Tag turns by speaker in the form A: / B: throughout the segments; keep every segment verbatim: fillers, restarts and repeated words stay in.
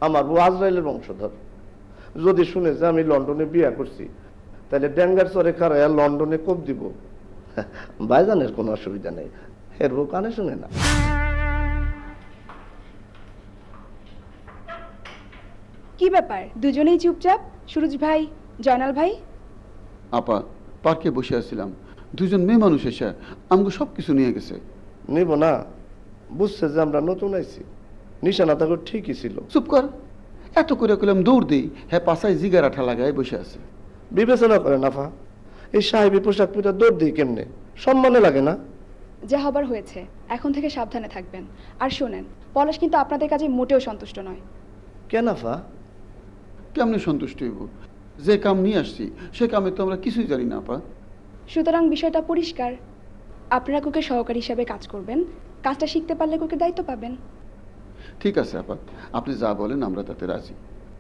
A: আমার বউ আজরাইলের বংশধর। যদি শুনে যে আমি লন্ডনে বিয়ে করছি, তাহলে ড্যাঙ্গার চরে খারাইয়া লন্ডনে কোপ দিব। ভাইজানের কোনো অসুবিধা নেই, এর বউ কানে শুনে না।
B: কি ব্যাপার, দুজনেই চুপচাপ? সুরজ ভাই, জয়নাল ভাই?
C: আপা, পার্কে বসে আছিলাম, দুজন মেয়ে মানুষ এসে আমাকে সব কিছু নিয়ে গেছে।
A: নিব না, বুঝছে যে আমরা নতুন আইছি, নিশানা তাকে ঠিকই ছিল।
C: চুপ কর, এত করে কইলাম দৌড় দিই, হ্যাঁ পাশায় জিগার আঠা লাগায় বসে আছে।
A: বিবেচনা করে নাফা, এই সাহেবী পোশাক পিটা দৌড় দিই কেমনে? সম্মানে লাগে না?
B: যা হবার হয়েছে, এখন থেকে সাবধানে থাকবেন। আর শোনেন, পলাশ কিন্তু আপনাদের কাজে মোটেও সন্তুষ্ট নয়।
A: কেন আফা?
C: কেমনে সন্তুষ্ট হইব? যে কাম নিয়ে আসছি সে কামে তো আমরা কিছুই জানি না আপা।
B: সুতরাং বিষয়টা পরিষ্কার, আপনারা কুকে সহকারী হিসাবে কাজ করবেন, কাজটা শিখতে পারলে কুকে দায়িত্ব পাবেন।
C: ঠিক আছে আপা, আপনি যা বলেন আমরা তাতে রাজি।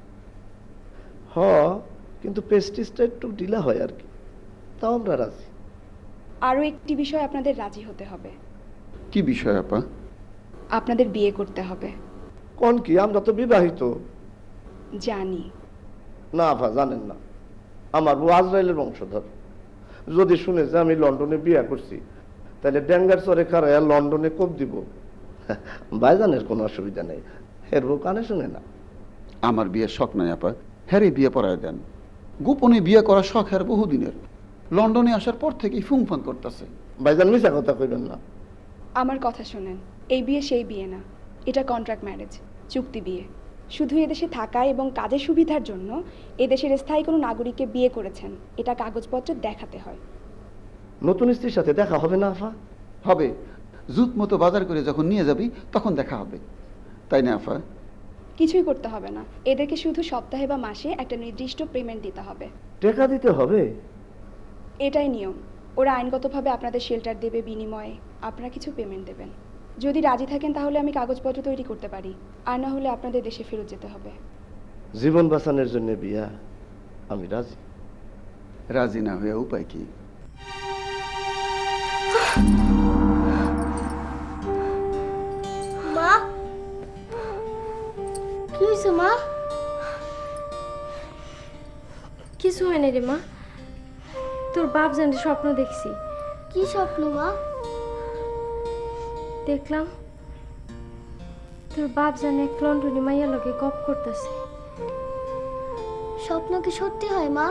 A: হ, কিন্তু পেস্টিসটা একটু ঢিলা হয় আর কি, তাও আমরা রাজি।
B: আরও একটি বিষয় আপনাদের রাজি হতে হবে।
C: কি বিষয় আপা?
B: আপনাদের বিয়ে করতে হবে।
A: কোন কি, আমরা তো বিবাহিত।
B: জানি।
A: না আফা, জানেন না, আমার বউ আজরাইলের বংশধর। যদি শুনে যে আমি লন্ডনে বিয়ে করছি, তাহলে ড্যাঙ্গার চরে খারাইয়া লন্ডনে কোপ দিব। ভাইজানের কোনো অসুবিধা নেই, এর বউ কানে শুনে না।
C: আমার বিয়ের শখ নাই আপা, হ্যারে বিয়ে পড়ায় দেন। গোপনে বিয়ে করার শখ হ্যার বহুদিনের, লন্ডনে আসার পর থেকেই ফুংফান করতেছে।
A: ভাইজান মিছা কথা কইবেন না।
B: আমার কথা শোনেন, এই বিয়ে সেই বিয়ে না, এটা কন্ট্রাক্ট ম্যারেজ, চুক্তি বিয়ে। শুধু এদেশে থাকা এবং কাজের সুবিধার জন্য এদেশের স্থায়ী কোনো নাগরিককে বিয়ে করেছেন, এটা কাগজপত্র দেখাতে হয়।
A: নতুন স্ত্রীর সাথে দেখা হবে না আফা?
C: হবে, জুত মতো বাজার করে যখন নিয়ে যাবি তখন দেখা হবে, তাই না আফা?
B: কিছুই করতে হবে না, এদেরকে শুধু সপ্তাহে বা মাসে একটা নির্দিষ্ট পেমেন্ট দিতে হবে।
A: টাকা দিতে হবে?
B: এটাই নিয়ম। ওরা আইনগতভাবে আপনাদের শেল্টার দেবে, বিনিময়ে আপনারা কিছু পেমেন্ট দেবেন। যদি রাজি থাকেন তাহলে আমি কাগজপত্র তৈরি করতে পারি, আর না হলে আপনাদের দেশে ফেরত যেতে হবে।
A: জীবন বাঁচানোর জন্য বিয়া, আমি রাজি।
C: রাজি না হয়ে উপায় কি?
D: মা, কি হয়েছে মা?
E: কিছু হয় না রে মা, তোর বাপ জানি স্বপ্ন দেখছি।
D: কি স্বপ্ন মা?
E: দেখলাম তোর বাপ জানে এক লন্ডনি মাইয়া লগে গপ করতেছে।
D: স্বপ্ন কি সত্যি হয় মা?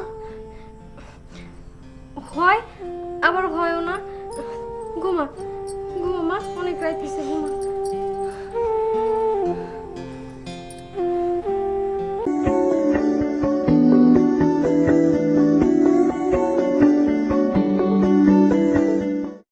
E: হয় আবার হয়ও না। ঘুমা ঘুমা মা, অনেক রাইতেছে, ঘুমা।